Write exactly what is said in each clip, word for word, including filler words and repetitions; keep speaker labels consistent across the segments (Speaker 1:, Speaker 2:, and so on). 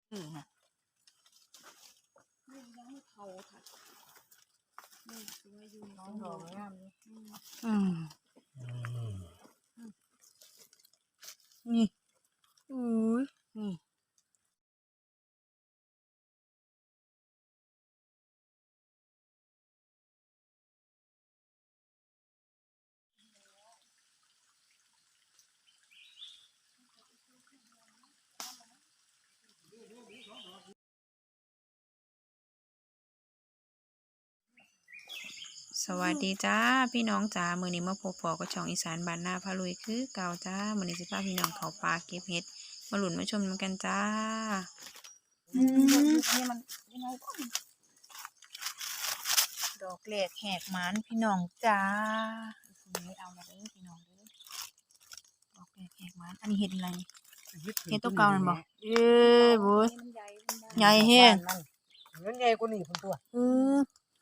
Speaker 1: อืม
Speaker 2: นี่ยังไม่เผาค่ะนี่สวยอยู่น้อง
Speaker 1: ด
Speaker 2: ด
Speaker 1: อ
Speaker 2: อก ก
Speaker 1: งามนี่
Speaker 2: อืม
Speaker 1: อืมนี่อุ้ยนี่สวัสดีจ้าพี่น้องจ้ามื้อนี้มาพบปอกับช่องอีสานบ้านนาพาลุยคือเก่าจ้ามื้อนี้สิพาพี่น้องเข้าป่าเก็บเห็ดมาหลุนมาชมกันจ้าอืม
Speaker 2: นี่มันยังไงก็
Speaker 1: ดอกแหลกแหกหมานพี่น้องจ้าไม่เอาละเด้อพี่น้องเด้อดอกแหลกแหกหมานอันนี้เห็ดอะไรเห็ดตัวเก่านั่นบ่เอ้ยบุ้ย
Speaker 2: มันใหญ่มันได้
Speaker 1: ใหญ่แห้ง
Speaker 3: มันใหญ่กว่านี่คนตัว
Speaker 1: เออ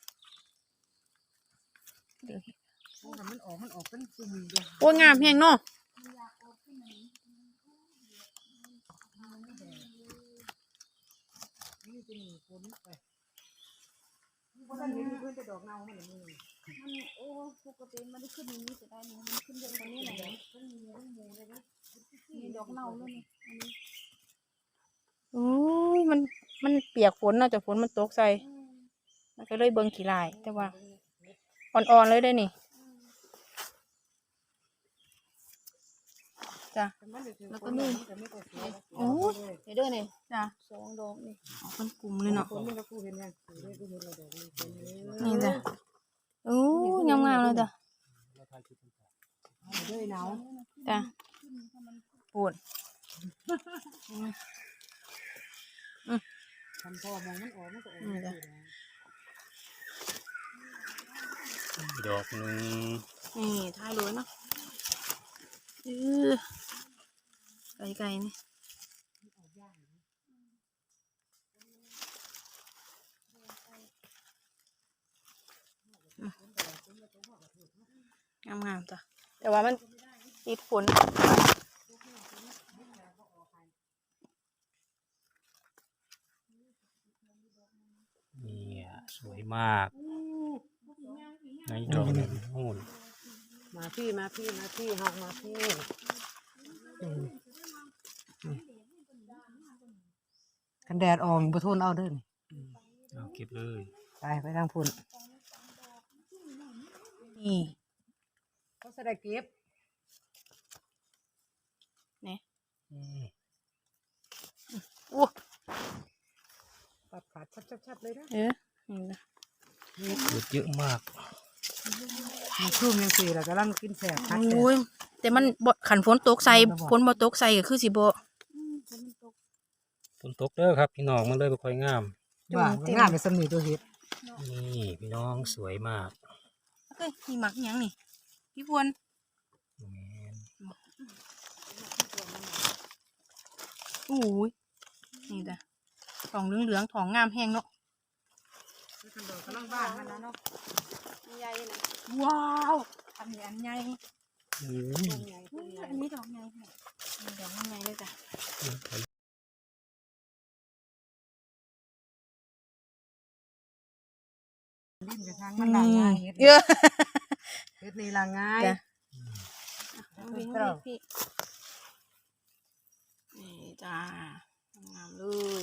Speaker 1: เดี๋ยว
Speaker 3: มันออกมันออกเป็นซุ่มเดียว
Speaker 1: โอ้ยงามแห้งเนาะ
Speaker 3: นี่จะหนีคนไปเพราะฉะนั้นนี่เพื่อนจะดอกเนามันนี่
Speaker 2: มันโอ้ปกติมันได้ขึ้นอย่างนี้จะได้นี่มันขึ้นเยอะกว่านี้หน่อยมันมีเรื่องมูเลยนะมีดอกเน่าแล้วนี่อันนี้
Speaker 1: โอ้ยมันมันเปียกฝนเนาะจากฝนมันตกใส่มันก็เลยเบิ่งขี้ลายแต่ว่าอ่อนๆเลยได้นี่จ้ะ
Speaker 3: แล้วก็นี่
Speaker 1: โอ้ยเดี๋ยวเด้อนี่จ้ะ
Speaker 2: สองดอกนี่
Speaker 1: เอาเป็นกลุ่มเลยเนาะ
Speaker 3: คนนี่ก็คู่เห็นยังคู่ได้คู่เห็นเราดอกนี่คนนี้
Speaker 1: นี่จ้ะโอ้ยงามๆเลยจ้ะ
Speaker 3: ด้วยหนาว
Speaker 1: จ้ะปวด
Speaker 3: ทำพ่อมองมันออกมันก็ออก
Speaker 1: นี่จ้ะ
Speaker 4: ดอกหนึ่ง
Speaker 1: นี่ท้ายเลยเนาะเออไกลๆนี่งามๆจ้ะแต่ว่ามันติดฝน
Speaker 4: เนี่ยสวยมากในดอกนี้โน่น
Speaker 3: มาพี่มาพี่มาพี่หอกมาพี่กันแดดออกประทุนเอาเด้อ
Speaker 4: เอาเก็บเลย
Speaker 3: ไปไปทางพุ่น
Speaker 1: นี่
Speaker 3: เขาจะได้เก็บ
Speaker 1: นี่
Speaker 4: อืม
Speaker 1: อู้
Speaker 3: ปัดขาดชัดๆเลยนะ
Speaker 1: เออนี่นะ
Speaker 4: เกิดเยอะมาก
Speaker 3: มีชุ่มยังสี่แล้วกำลังกินแสบคัดแส
Speaker 1: โอ้ย
Speaker 3: บ
Speaker 1: แต่มันบ่ขันฝนตกใส่ฝนบ่ตกใส่ก็คือสิบ่
Speaker 4: ฝนตกเด้อครับพี่น้องมันเลยบ่ค่อยงาม
Speaker 3: ว่ามันงามเป็นสมีตัวเห็ด
Speaker 4: นี่พี่น้องสวยมาก
Speaker 1: เอ้ยนี่หมักหยังนี่พี่พวน
Speaker 4: แม่น
Speaker 1: อู้ยนี่จ้ะทองเหลืองๆทองงามแห้งเนาะ
Speaker 3: กำลังบ้านมันนะเนาะ
Speaker 2: ใหญ่นะ
Speaker 1: ว้าวอันนี้อันใหญ่
Speaker 4: อืม
Speaker 3: ใหญ่
Speaker 1: อุ้ยอันนี้ดอกใหญ่แห้งนี่ดอกใหญ่เลยจ้ะ
Speaker 3: ลิ้นกับทางมันลางง่ายเห็ด
Speaker 1: เยอะ
Speaker 3: เห็ดนี่ลางง่าย
Speaker 1: จ้ะ
Speaker 3: เอา
Speaker 1: เอา
Speaker 3: ไป
Speaker 1: วิ่ง
Speaker 3: เต้า
Speaker 1: พี่นี่จ้างามเลย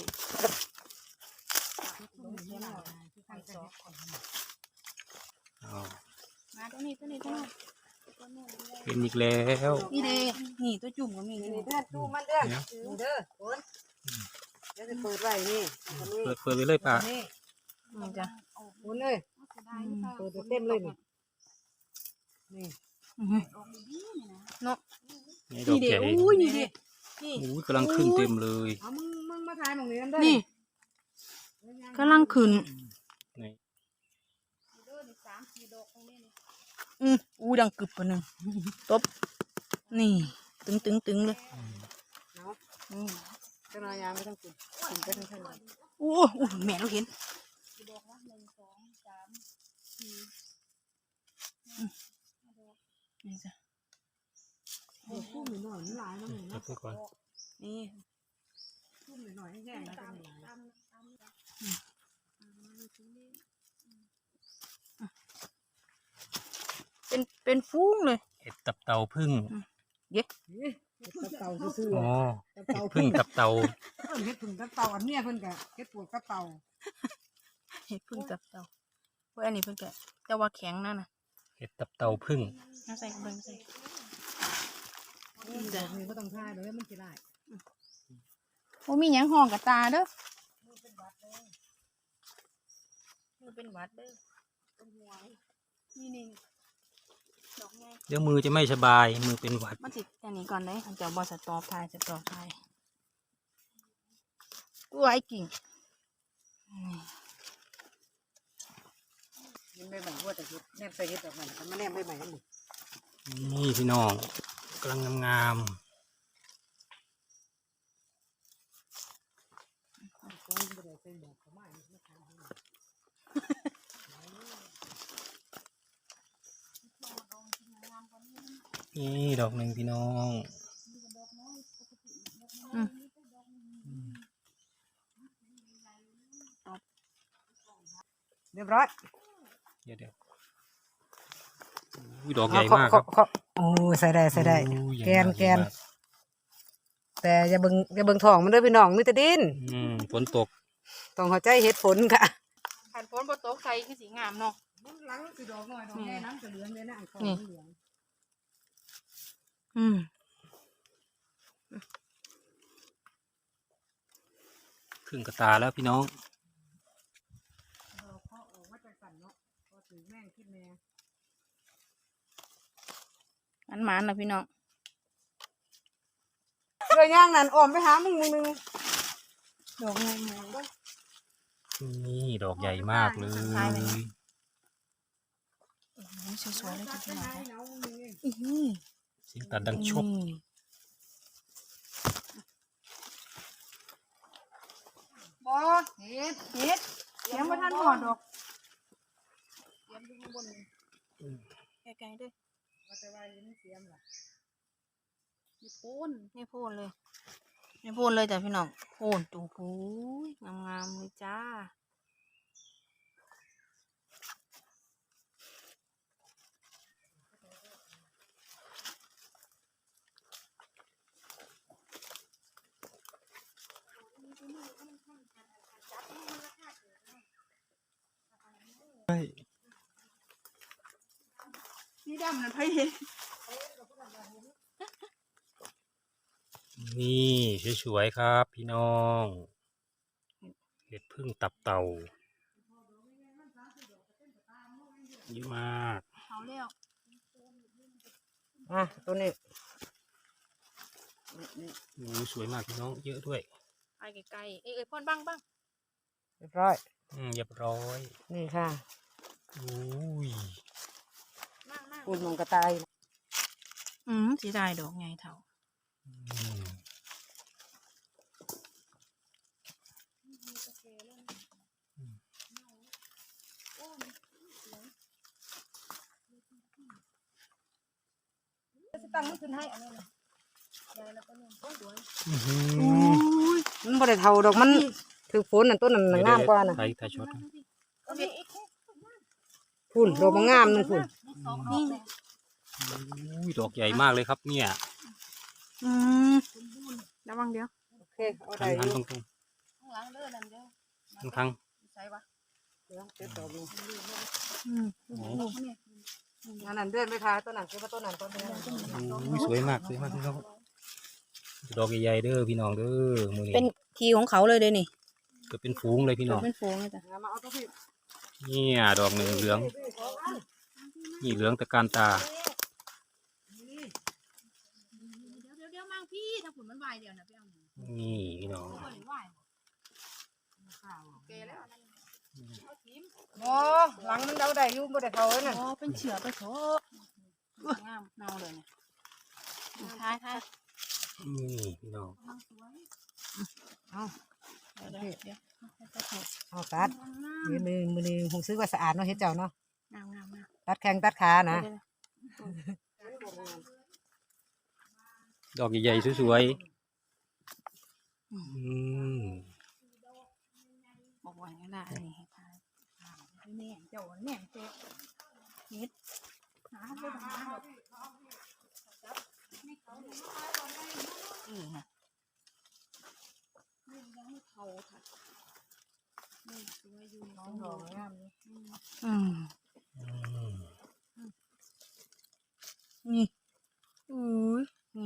Speaker 4: เอา
Speaker 1: มาตัวนี้ตัวนี้ตัวนี้
Speaker 4: เป็นอีกแล้ว
Speaker 1: นี่เด้นี่ตัวจุ่มก็มี
Speaker 3: นี่
Speaker 1: นี่
Speaker 3: เด้อดูมันเด้อนี่เด้อคนเดี๋ยวจะเปิดไว้นี่อันนี้
Speaker 4: เปิดเปิดไปเลยป่ะ
Speaker 3: นี่
Speaker 1: นี่จ้ะ
Speaker 3: คนเลย
Speaker 2: เสียดายหรือเปล่า
Speaker 3: เปิดเต็มเลยนี่นี่
Speaker 1: อื้อหือ
Speaker 2: ออกดีๆนี่นะ
Speaker 1: เนาะ
Speaker 4: นี่ดอ
Speaker 1: นี่
Speaker 4: ก
Speaker 1: เด้
Speaker 4: ใหญ่
Speaker 1: อุ้ยนี่เด้นี่
Speaker 4: อุ้ยกำลังขึ้นเต็มเลย
Speaker 3: เอามึงมึงมาถ่ายหมองนี้นั่นเด้อ
Speaker 1: นี่กำลังขึ้น
Speaker 4: นี่
Speaker 2: เด้อนี่สามสี่ดอกตรงนี้นี่
Speaker 1: อืออู้ดังกึบปะหนึ่งตบนี่ตึงตึงตึงเลย
Speaker 3: เนาะ
Speaker 1: อืม
Speaker 3: เจ้านายยางไม่ต้องกินกินไปทั้งเท่านั้น
Speaker 1: อู้อู้แม่เราเห็น
Speaker 2: กี่ดอกวะหนึ่งสองสามสี่
Speaker 1: นี่จ้ะ
Speaker 3: เดี๋ยวคู่หนูหน่อยมันหลายนะหนู
Speaker 4: เก็บ
Speaker 3: เนาะ
Speaker 4: ไว้ก่อน
Speaker 1: นี่
Speaker 2: น
Speaker 3: ซุ่มหน่อยๆแห้งๆแล้วก็มีหลาย
Speaker 1: เป็นเป็นฟุ้งเลย
Speaker 4: เห็ดตับเต่าพึ่ง
Speaker 3: เอ๊ะเฮ็ดตับเต่าซื่อ
Speaker 4: อ๋อ
Speaker 3: ๆตับ
Speaker 4: เห็
Speaker 3: เต่า
Speaker 4: ดพึ่งตับเต่า
Speaker 3: เพิ่นเฮ็ดพึ่งตับเต่าอันเนี้ยเพิ่นก็เฮ็ดปวกตับเต่า
Speaker 1: เห็ดพึ่งกับเต่าเว้ยอันนี้เพิ่นก็แต่ว่าแข็งนั่นน่ะ
Speaker 4: เห็ดตับเต่าพึ่ง
Speaker 1: น่าใส่เบิ่งใส่
Speaker 3: นี่ดอกนี้บ่ต้องทาเด้อมันสิได้
Speaker 1: โอ้มีหยังห้องกับตาเด้อมือเป็นหวัดเด้อนี่นี่ดอกไง
Speaker 4: เดี๋ยวมือจะไม่สบาย มือเป็นหวัด
Speaker 1: มันสิอันนี้ก่อนเลยมันจะบอสตอพายสตอพายตัวไอ้กิ่งนี่
Speaker 3: ยังไม่ใหม่ว่าแต่เฮ็ดแนมใส่เฮ็ดดอกใหม่มันมาแนมใบใหม่กันหมด
Speaker 4: นี่พี่น้องกำลังงาม
Speaker 3: ก็บ่ได้ใส่หมวกเข้ามานี่มันทำให้
Speaker 4: ๆนี่ดอกหนึ่งพี่น้อง
Speaker 1: อืม
Speaker 3: เรียบร้อย
Speaker 4: เดี๋ยวเดี๋ยวอุ้ยดอกใหญ่มากครับ
Speaker 3: โอ้ใส่ได้ใส่ได้
Speaker 4: โอ้ยใหญ่
Speaker 3: แกน
Speaker 4: มาก
Speaker 3: แกน
Speaker 4: ใหญ่มาก
Speaker 3: แต่อย่าเบิ่งอย่าเบิ่งท้องมันเด้อพี่น้องมีแต่ดิน
Speaker 4: อืมฝนตก
Speaker 3: ต้องเข้าใจเหตุผลค่ะ
Speaker 1: ขันฝนบ่ตกใส่คือสีงามเนาะ
Speaker 3: หลังสิดอกน้อยดอกใหญ่น้ำจะเหลืองเลยนะอันของ
Speaker 1: นี่
Speaker 3: เหลือง
Speaker 1: อืม
Speaker 4: ครึ่งกระตาแล้วพี่น้อง
Speaker 3: เราเคาะออกมาจากสั่นเนาะพอถือแม่งคิดแม่
Speaker 1: อันหมานนะพี่น้อง
Speaker 3: เรือย่างนั่นอ้อมไปหามึงมึงนึง
Speaker 1: ดอกไงไง
Speaker 4: นี่ดอกใหญ่มากเลย
Speaker 1: ตายไปแล้ว นี่สวยๆเลยจ้ะพี่น้อง
Speaker 3: เอามึงนึงเอง
Speaker 1: อีนี่
Speaker 4: เสียงตัดดังชบ
Speaker 1: นี่บอเฮ็ดเฮ็ดเสียงบ่ทันหอดดอกเสียงอยู่ข้างบนนี่ไกลๆเด้อ
Speaker 3: ว่าแต่ว่ายังไม่เสียมล่ะ
Speaker 1: นี่โพนนี่โพนเลยนี่โพนเลยจ้ะพี่น้องโพนตูหูยงามๆเลยจ้าสีดำนั่นไผเห็น
Speaker 4: นี่สวยๆครับ พี่น้อง เห็ดพึ่งตับเต่าเยอะมาก
Speaker 1: เขาเรียก
Speaker 3: อ่ะตัวนี้
Speaker 4: โอ้สวยมากพี่น้อง เยอะด้วย
Speaker 1: ไปไกลๆเอ้ยเอ้ยพ่นบ้างบ้าง
Speaker 3: เรียบร้อย
Speaker 4: อืมเรียบร้อย
Speaker 3: นี่ค่ะ
Speaker 4: โอ้ย
Speaker 1: มากมาก
Speaker 3: ปูนมองกระต่าย
Speaker 1: อืมสีได้ดอกไงเท่า
Speaker 4: อืม
Speaker 3: ตั้งมันขึ้นให้อันนี้นะ
Speaker 4: อื้อหือ
Speaker 3: มันบ่ได้เท่าดอกมันถือฝนนั่นต้นนั้นน่ะงามกว่าน่ะ
Speaker 4: ไทยไทยช็อตนะ
Speaker 3: พุ่นดอกมันงามนึงพุ่น
Speaker 1: นี่
Speaker 4: อุ้ยดอกใหญ่มากเลยครับเนี่ย
Speaker 1: อืมระวังเดี๋ยว
Speaker 3: โอเคเอา
Speaker 4: หั
Speaker 3: ได้
Speaker 4: น
Speaker 3: อ
Speaker 4: หัน
Speaker 3: ยู่
Speaker 4: ตรง
Speaker 1: ข้างหลังเด้อนั่นเด้อ
Speaker 4: ๆข้างข้าง
Speaker 1: ใส่วะ
Speaker 3: เดี๋ยวเก็บดอกอยู่
Speaker 1: อืม
Speaker 4: โอ้
Speaker 3: อันนั้นเดือนไปทาต้นนั้นเก็บมาต้นนั้นต้นนี้
Speaker 4: อุ้ยสวยมากสวยมากพี่น้องดอกใหญ่ๆเด้อพี่น้องเด้อมือ
Speaker 1: เป็น
Speaker 4: นี้
Speaker 1: ทีของเขาเลยเด้อนี่
Speaker 4: เกิดเป็นฝูงเลยพี่น้อง
Speaker 1: เป็นโฟงเลยจ้ะ
Speaker 3: มาเอาตัวพี่
Speaker 4: เนี่ยดอกหนึ่งเหลืองนี่เหลืองตะการตา
Speaker 1: เดี๋ยวเดี๋ยวเดี๋ยวมังพี่ถ้าผุนมันวายเดี๋ยวนะพี่เอาหนู
Speaker 4: นี่พี่น้อง
Speaker 1: ก็เลยวายโอเคแล้ว
Speaker 3: โอ้หลังมันเดาได้อยู่บ่ได้เท่าเลยนั่น
Speaker 1: อ๋อเป็นเฉือไปเถอะงามเน่าเลยเนี่ยท้ายท้าย
Speaker 4: นี่พี่น้อง
Speaker 3: เอา
Speaker 1: เดี๋ยวเดี๋ยวเดี๋ยว
Speaker 3: เอาตัดมือมือมือนึงคงซื้อว่าสะอาดเนาะเฮ็ดเจ้าเนาะ
Speaker 1: งามงามงาม
Speaker 3: ตัดแข้งตัดขานะ
Speaker 4: ดอกใหญ่ๆสวยๆอืม
Speaker 1: บอกว่าอย่างนั้นนี่ให้ทายแหนมเจ้าแหนมเจ้าเฮ็ดหาไปหาแบบเออนะ
Speaker 2: นี่ยังไม่เท่าค่ะนี่สวยอยู่
Speaker 1: น้องดอกงามเลย
Speaker 2: อืม
Speaker 1: อืม
Speaker 4: อืม
Speaker 1: นี่อุ้ยนี่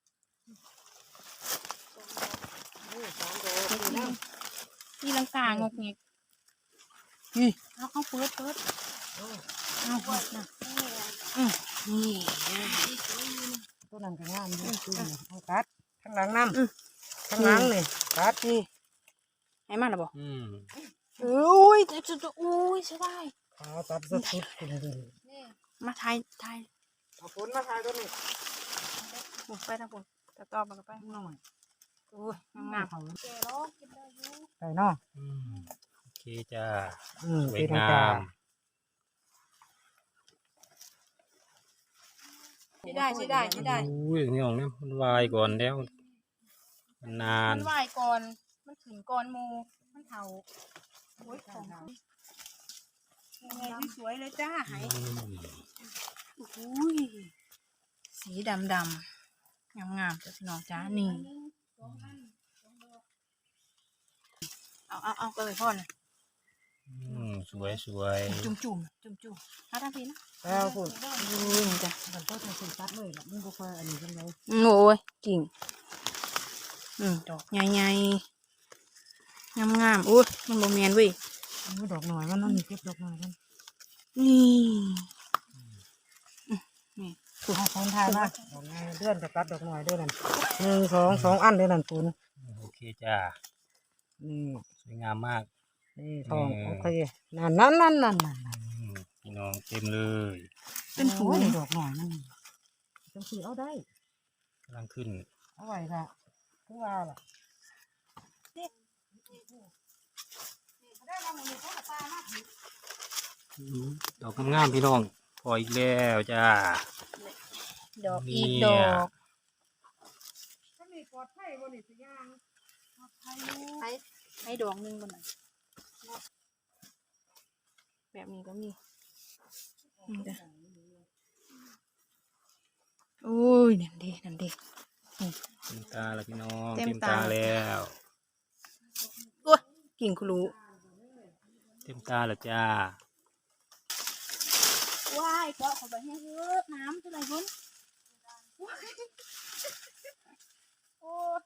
Speaker 3: นี่สองดอก
Speaker 1: เฮ็ด
Speaker 3: นี่
Speaker 1: นี่
Speaker 3: นะ
Speaker 1: นี่ลังกางกเงี้ยนี่เอาเอาเปิดเปิดเอานะอืมนี่
Speaker 3: ตัวนั้นก็งามอยู่คือเอาตัดข้างหลังน้ำข้างหลังนี่ตัด
Speaker 1: นี่ให้มาแล้วบ่
Speaker 4: อืม
Speaker 1: อุ้ยจะจะอุ้ยใช่ได้
Speaker 3: เอาตัดสุดๆคุณดู
Speaker 2: นี่
Speaker 1: มาทายทาย
Speaker 3: เอาฝนมาทายตัวนี้
Speaker 1: บุกไปทางบนจะตอบมันก็ไป
Speaker 3: หน่อย
Speaker 1: อุ้ยงาม
Speaker 3: เขา
Speaker 2: แกร้องกินได้อยู่
Speaker 3: ได้เนาะ
Speaker 4: อืมโอเคจ้า
Speaker 3: อืม
Speaker 4: สวย
Speaker 3: เป็น
Speaker 4: งา
Speaker 3: จ้าม
Speaker 1: ใช่ได้ใช่ได้ใช่ได้
Speaker 4: อุ้ยนี่ของเนี่ยมันวายก่อนแล้วมันนาน
Speaker 1: มันไหวก่อน มันขึ้นก่อนหมูมันเถาโอ้ยของยังไงสวยๆเลยจ้าหาย
Speaker 4: อืม
Speaker 1: อุ้ยสีดำดำงามงามๆจ้ะพี่น้องจ้านี่
Speaker 2: อันหนึ่งสองอันสองดอก
Speaker 1: เอาเอาเอาก็เลยพ่อนะ
Speaker 4: อืมสวยสวย
Speaker 1: จุ่มจุ่มจุ่มจุ่มเอาทำพี่นะ
Speaker 3: แล้วคุณ
Speaker 1: อุ้ยจ้ะ
Speaker 3: มันก็จะสิตัดเลยล่ะมันบ่ค่อยอันนี้จังได๋
Speaker 1: โอ้ยกิ่งอืมดอกใหญ่ๆงามงามๆอุ้ยมันโมเมนเว้ย
Speaker 3: มันดอกหน่อยมันนั่นนี่เก็บดอกหน่อยมัน
Speaker 1: นี่
Speaker 3: คือเอาของทายมาดอกหน่อยเดือนจะตัดดอกหน่อยเด้อนั่นหนึ่งสองสองอันเด้อนั่นคุณ
Speaker 4: โอเคจ้า
Speaker 3: นี่
Speaker 4: สวยงามมาก
Speaker 3: นี่ทอง
Speaker 4: เออ
Speaker 3: โอเคนั่นนั่นนั่นนั่นนั่น
Speaker 4: อืมพี่น้องเต็มเลย
Speaker 1: เป็นถุง
Speaker 3: โอ้ยดอกหน่อยมันจังสีเอาได้
Speaker 4: กำลังขึ้น
Speaker 3: เอาไว้ละคือว่าล่ะ
Speaker 4: อืมดอกงามๆพี่น้องพออีกแล้วจ้า
Speaker 1: ดอกอีก
Speaker 4: เนี่
Speaker 1: ด
Speaker 4: ย
Speaker 1: อก
Speaker 3: ถ้ามีปลอดภัยบ่นี่สิย่าง
Speaker 1: ให้ให้ดอกหนึงบนไหนอยแบบนี้ก็มีนี่จ้ะโอ้ยนั่นดีนั่นดี
Speaker 4: เต็มตาแล้วพี่น้อง
Speaker 1: เต็ม
Speaker 4: เต็ม
Speaker 1: ตา
Speaker 4: ตาแล้ว
Speaker 1: โอ้ยกิ่งคุรู
Speaker 4: เต็มตาแล้วจ้า
Speaker 2: ว้ายก็เข้าไปให้เยอะน้ำเท่าไหร่คุณโอ้ย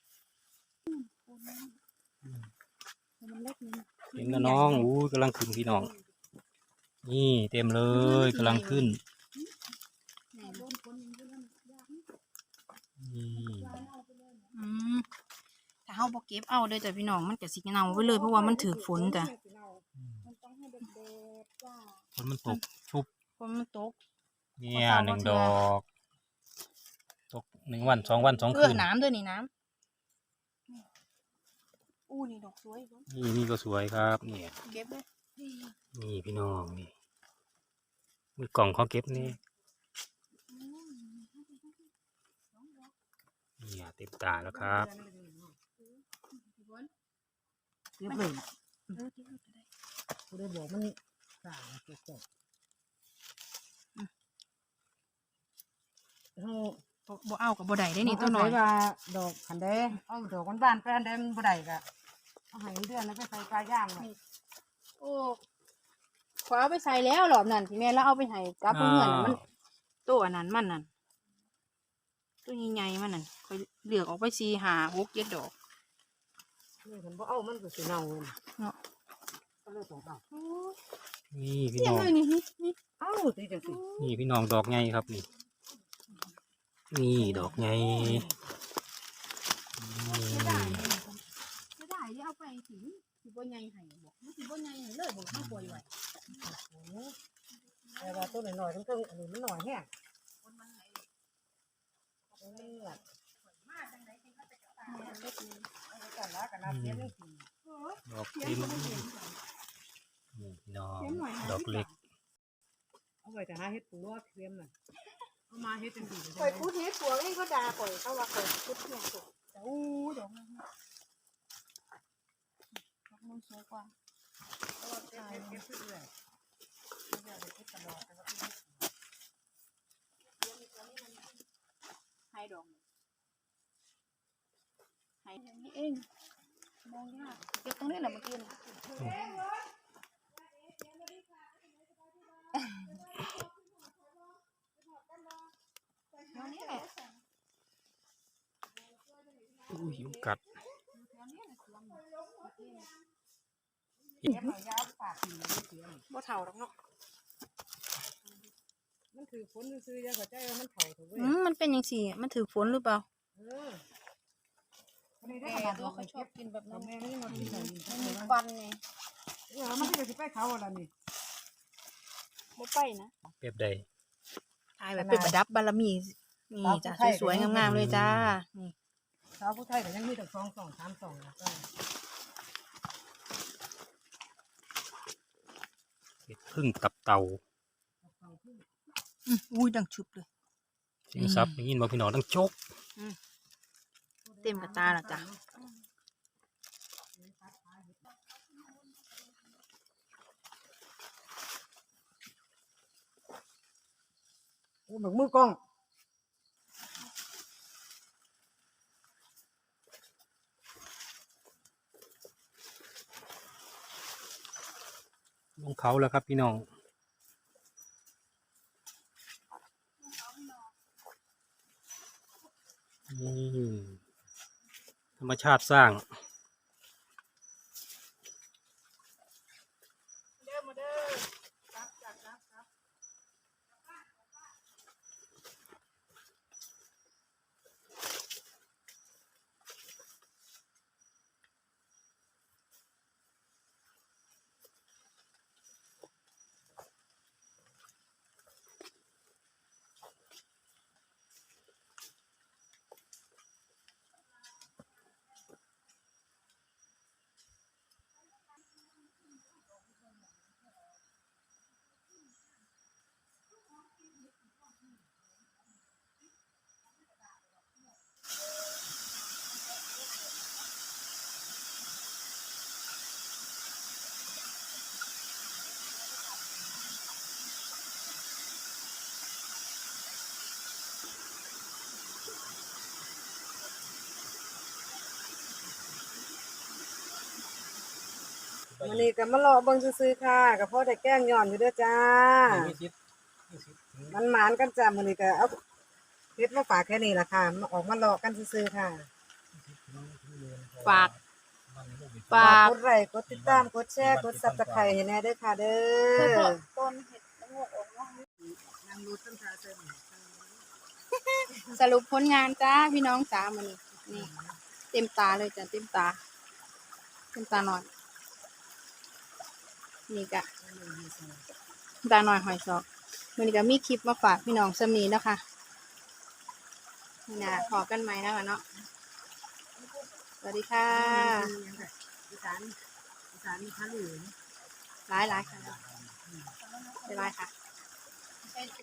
Speaker 2: มันเล็กนี่
Speaker 4: เต็มแล้วน้องอู้กำลังขึ้นพี่น้อง นี่เต็มเลยกำลังขึ้น
Speaker 2: แหน่โดนคนยังอยู่นั่นยากนี่
Speaker 4: นี่
Speaker 1: อืมถ้าเฮาบ่เก็บเอาเด้อจ้ะพี่น้องมันก็สิเน่าไปเลยเพราะว่ามันถือฝนจ้ะ
Speaker 2: มันต้องให้เด็กๆจ้า
Speaker 4: ฝนมันตกชุบ
Speaker 1: ฝนมันตก
Speaker 4: เนี่ย
Speaker 1: เอา
Speaker 4: ห
Speaker 1: เข้า
Speaker 4: นึ่ง
Speaker 1: มา
Speaker 4: ด
Speaker 1: เถ
Speaker 4: อ
Speaker 1: อะ
Speaker 4: ก ตกหนึ่งวันสองวันสอง
Speaker 1: เอ
Speaker 4: คื
Speaker 1: อน น้ำเด้อนี่น้ำอู้นี่ดอกสวยเบิ่ง
Speaker 4: นี่นี่ก็สวยครับเนี่ย
Speaker 1: เก็บเลย
Speaker 4: นี่พี่น้องนี่มีกล่องเขาเก็บนี่เนี่ยเต็มตาแล้วครับ
Speaker 3: เก็บเลยล่ะ
Speaker 1: เออเก็บเลยก็ได้
Speaker 3: กูได้บอกมันสร้างเก็บก่อนเฮา
Speaker 1: บ่บ่เอากับบ่ได้ได้นี่ตัวน้อย
Speaker 3: เาใส่ว่าดอกขันแดงเอาดอกบ้านๆไปอันแดงบ่ได้ก็เอาให้เดือนแล้วไปใส่ปลาย่างไว้
Speaker 1: โอ้ขอเอาไปใส่แล้วหรอบนั่นที่แม่แล้วเอาไปให้กับเพื่อนน่ะมันตัวอันนั้นมันนั่นตัวใหญ่ๆมันนั่นค่อยเลือกออกไปสี่ห้าหกเจ็ดดอก
Speaker 3: นี่ฉันบ่เอามันก็สิเน่าเลย
Speaker 1: เนาะ
Speaker 3: ก็เลยต้องเอา
Speaker 1: โอ้ย
Speaker 4: นี่พี่
Speaker 1: เสีย
Speaker 4: น้
Speaker 1: ง
Speaker 4: อง
Speaker 1: เลยนี่นี่นี่
Speaker 3: เอาสิจังสิ
Speaker 4: นี่พี่น้องดอกไงครับนี่ นี่ดอกไงนี่
Speaker 1: ไม่ได้ไม่ได้ที่เอาไปสิสิบ่ใหญ่ให้บอกมันสิบ่ใหญ่ให้เลยบอกมาปล่อยไว้
Speaker 3: แต่ว่าตัวน้อยๆทั้งๆอันนี้มันน้อยแฮะมันเลือดกันละกันละเสียจังสิ
Speaker 4: ดอกเต็มนี่พี่น้องดอกเล็ก
Speaker 3: เอาไว้แต่หาเฮ็ดปูว่าเทียมน่ะเอามาเฮ็ดจังสิ
Speaker 1: ข่อยพูดเฮ็ดปวกเองก็ด่าข่อยเขาว่าข่อยพูดเที่ยงข่อยแต่อู้ดอกนั้นดอกนั้น
Speaker 2: สูงกว่า
Speaker 3: เก็บเก็บเก็บเรื่อยไม่อยากไปเก็บตลอดแต่ว่า
Speaker 1: ให้ดอกให้
Speaker 2: อย่างนี้เองมองยากเก็บตรงนี้แหละเมื่อกี้น่ะ แถวนี้แหละ
Speaker 4: อุ้ยยุงกัด
Speaker 2: แถวนี้แหละสวนน่ะ
Speaker 3: เก็บเอายาวปากอยู่เสีย
Speaker 1: บ่เท่าดอกเนาะ
Speaker 3: มันคือฝนซื้อๆอย่าเข้าใจว่ามันเผาถูกเว้ย
Speaker 1: อืมมันเป็นยังสี่มันถือฝนหรือเปล่า
Speaker 3: เออวันนี้ได้
Speaker 2: แต่
Speaker 3: ขนาด
Speaker 2: ตัว
Speaker 3: เรา
Speaker 2: เขาชอบกินแบบ
Speaker 3: เรา
Speaker 2: นั้น
Speaker 3: แม่ไม่ได้มากินแบบนี้
Speaker 2: มันมีควันไง
Speaker 3: เออมันก็จะไปเขาอะไรนี่
Speaker 2: บ่ไปนะ
Speaker 4: เปรียบใด
Speaker 1: ถ่ายแบบเป็นประดับบารมีนี่จ้ะสวยๆงามๆเลยจ้านี่
Speaker 3: สาวผู้ไทยก็ยังมีแต่สองสองสามสองนะก็
Speaker 4: เห็ดพึ่งตับเต่า
Speaker 1: อืมอุ้ยดังชุบเลย
Speaker 4: เสียงซับได้ยินบ่พี่น้องดังโจก
Speaker 1: เต็มกระตาและจ้ะ
Speaker 3: โอ้แบบมือกล้อง
Speaker 4: ลงเขาแล้วครับพี่น้องนี่ธรรมชาติสร้าง
Speaker 3: เด้อมาเด้อครับจัดครับครับ วันนี้ก็มารอเบิ่งซื้อๆค่ะกับพ่อได้แกล้งย้อนอยู่เด้อจ้า มันหมานกันจ้ามื้อนี้ก็เอาเฮ็ดมาฝากแค่นี้ล่ะค่ะมาออกมารอกันซื้อๆค่ะ
Speaker 1: ฝาก
Speaker 3: ฝา
Speaker 1: ฝาก ก
Speaker 3: กดไลค์กดติดตามกดแชร์กด Subscribe ให้แน่เด้อค่ะเด้
Speaker 2: เพื่อ
Speaker 3: อ
Speaker 2: ต้นเห็ดละโงกออกเนาะ
Speaker 3: นั่งดูต้นทาเสริม
Speaker 1: สรุปผลงานจ้าพี่น้องจ้ามันนี่เต็มตาเลยจ้ะเต็มตา เต็มตาหน่อย นี่กะตาหน่อยหอยซอกมันก็มีคลิปมาฝากพี่น้องสำนีแล้วค่ะนี่นะขอกันไหมนะคะเนาะสวัสดีค่ะ
Speaker 3: อีสานอีสานมีคันหรือ
Speaker 1: หลายหลายๆค่ะหลายๆค่ะ